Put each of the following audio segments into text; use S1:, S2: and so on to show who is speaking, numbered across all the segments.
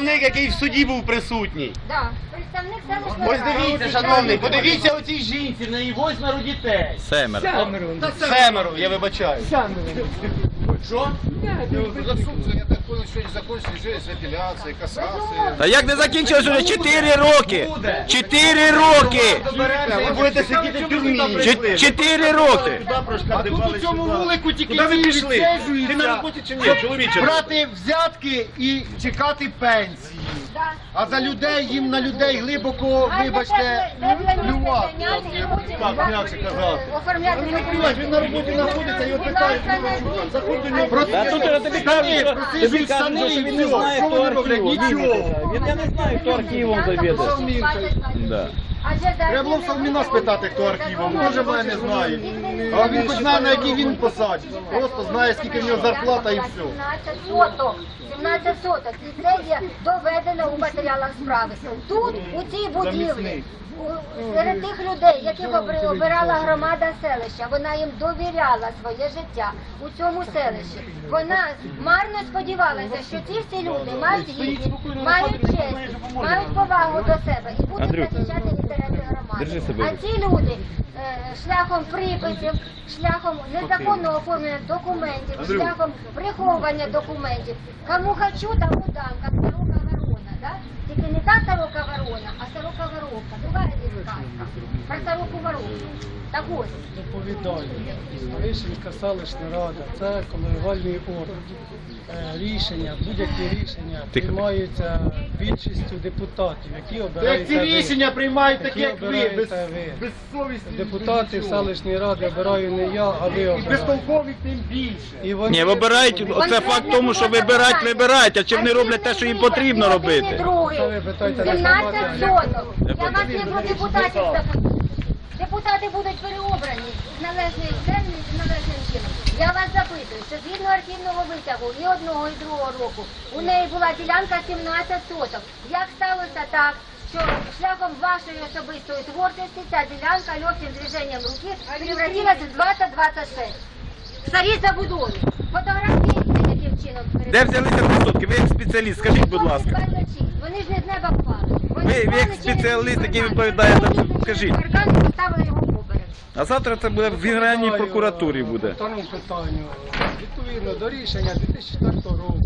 S1: представник, який в суді був присутній.
S2: Так, представник селищної
S1: Ось
S2: ради.
S1: дивіться, шановний, подивіться оцій жінці, в неї 8 дітей.
S3: Семеро.
S1: Семеро, я вибачаю. Що?
S4: Я так понял, що закончились апеляції, касації.
S3: Та як не закінчилось уже 4 роки? 4 роки!
S1: Ви будете сидіти в тюрмі.
S3: 4 роки!
S4: А тут у цьому вулику тільки
S1: Куди ви
S4: ці
S1: пішли?
S4: відсиджуються,
S1: Ти на роботі чи ні, чоловіче?
S4: брати взятки і чекати пенсії.
S2: Да.
S4: А за людей, їм на людей глибоко, вибачте, плювати.
S2: Оформляти
S4: Він на роботі знаходиться, його питають, заходь до нього.
S3: Та тут я тобі кажу, тобі кажуть, що він не знає, хто архівом.
S4: Нічого.
S3: Я не знаю, хто архівом завідує. Да.
S4: Треба було в Салміна спитати, хто архівом. Може, мене не знає. А він хоч знає, на якій він посаді. Просто знає, скільки в нього зарплата і все.
S2: 17 соток. 17 соток. І це є доведено у матеріалах справи. Тут, у цій будівлі, серед тих людей, яких обирала громада селища, вона їм довіряла своє життя у цьому селищі. Вона марно сподівалася, що ці всі люди мають гідність, мають честь, мають повагу до себе і будуть захищати інтереси громади. А ці люди шляхом приписів, шляхом незаконного оформлення документів, шляхом приховування документів. Кому хочу, тому дам, як сорока ворона, да? Тільки не та сорока ворона, а сорока воровка. Другая здесь сказка. Про сороку воровку. Так ось.
S5: Доповідаю. Старишинська селищна рада – це колегіальний орган. Рішення, будь-які рішення приймаються більшістю депутатів, які
S4: Як
S5: обираєте
S4: ці рішення приймають такі, як ви,
S5: обираєте ви.
S4: безсовісні.
S5: Депутатів селищної ради обираю не я, а ви
S4: І
S5: обираєте.
S4: безтолкові тим більше.
S5: І вони-
S3: Ні, вибирають, оце факт тому, що вибирають, а чи вони роблять те, що їм потрібно робити?
S5: Це ви питаєте
S2: 17 соток.
S3: Я
S2: Я вас не про депутатів запитую. Депутати будуть переобрані з належною землею, з належним чином. Я вас запитую, що згідно архівного витягу і одного, і другого року у неї була ділянка 17 соток. Як сталося так, що шляхом вашої особистої творчості ця ділянка легким движенням руки превратилася в 20-26? Старі забудови. Фотографуються яким чином.
S3: Де взялися висотки? Ви як спеціаліст, скажіть, будь ласка.
S2: Вони ж не з неба впали.
S3: Ви як спеціаліст, який відповідає, скажіть.
S2: Паркан поставили його поперек.
S3: А завтра це буде в Генеральній прокуратурі буде.
S5: По второму питанню. Відповідно до рішення 2004 року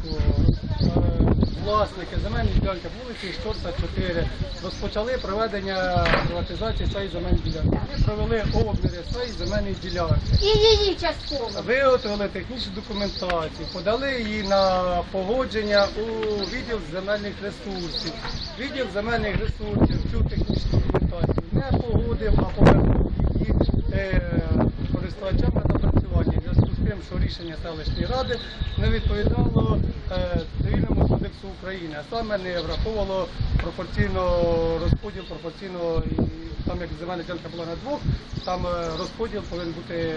S5: власники земельної ділянки вулиці Шторса 4 розпочали проведення приватизації цієї земельної ділянки. Вони провели обміри цієї земельної ділянки.
S2: І її частково.
S5: Виготовили технічну документацію, подали її на погодження у відділ земельних ресурсів. Відділ земельних ресурсів цю технічну документацію не погодив, а повернув її користувачам на напрацювання. В зв'язку з тим, що рішення селищної ради не відповідало Цивільному кодексу України, а саме не враховувало пропорційно розподіл, пропорційно, там як земельна ділянка була на двох, там розподіл повинен бути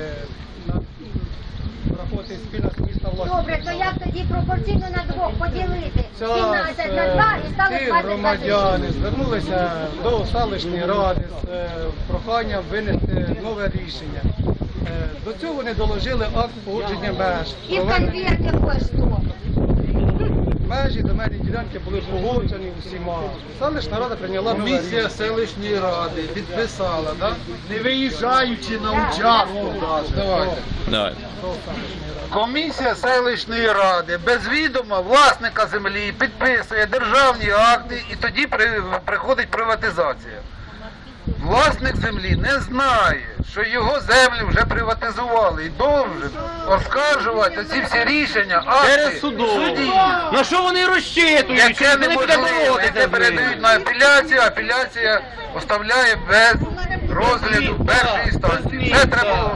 S5: враховувати спільна сумісна власність.
S2: Добре, то як тоді пропорційно на двох поділити 17 на 2 і стало
S5: Ці
S2: 20
S5: громадяни звернулися до селищної ради з проханням винести нове рішення. До цього вони доложили акт погодження меж.
S2: І в конверті кое-що.
S5: Межі земельні ділянки були погоджені усіма. Селищна рада прийняла нове
S4: Комісія
S5: рішення.
S4: селищної ради підписала, да? Не виїжджаючи на участок навіть. Давайте.
S3: Давай.
S4: Комісія селищної ради без відома власника землі підписує державні акти і тоді приходить приватизація. Власник землі не знає, що його землю вже приватизували і должен оскаржувати ці всі рішення,
S1: Через
S4: акти
S1: суду.
S4: в суді.
S1: На що вони розчитують?
S4: Яке
S1: Що вони
S4: неможливо,
S1: піде
S4: яке передають на апеляцію, апеляція оставляє без розгляду першої інстанції. Це треба.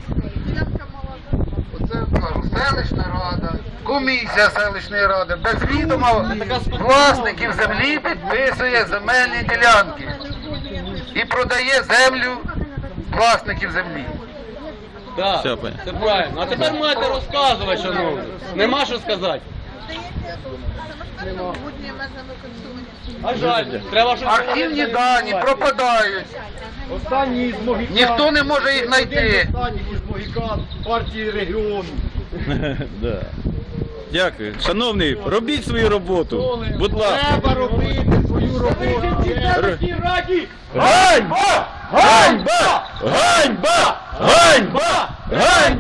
S4: Оце кажу, селищна рада, комісія селищної ради без відома власників землі підписує земельні ділянки і продає землю власників землі.
S1: Так,
S3: Все, понятно.
S1: це правильно. А тепер маєте розказувати, шановні. Нема що сказати. А жаль, треба щось
S4: Архівні дані пропадають,
S5: Останній з Могикан.
S4: ніхто не може їх знайти.
S5: Останній із Могикан партії регіону.
S3: Да. Дякую. Шановний, робіть свою роботу. Будь ласка.
S5: Треба робити свою роботу.
S3: Ганьба! Ганьба! Ганьба! Ганьба! Ганьба!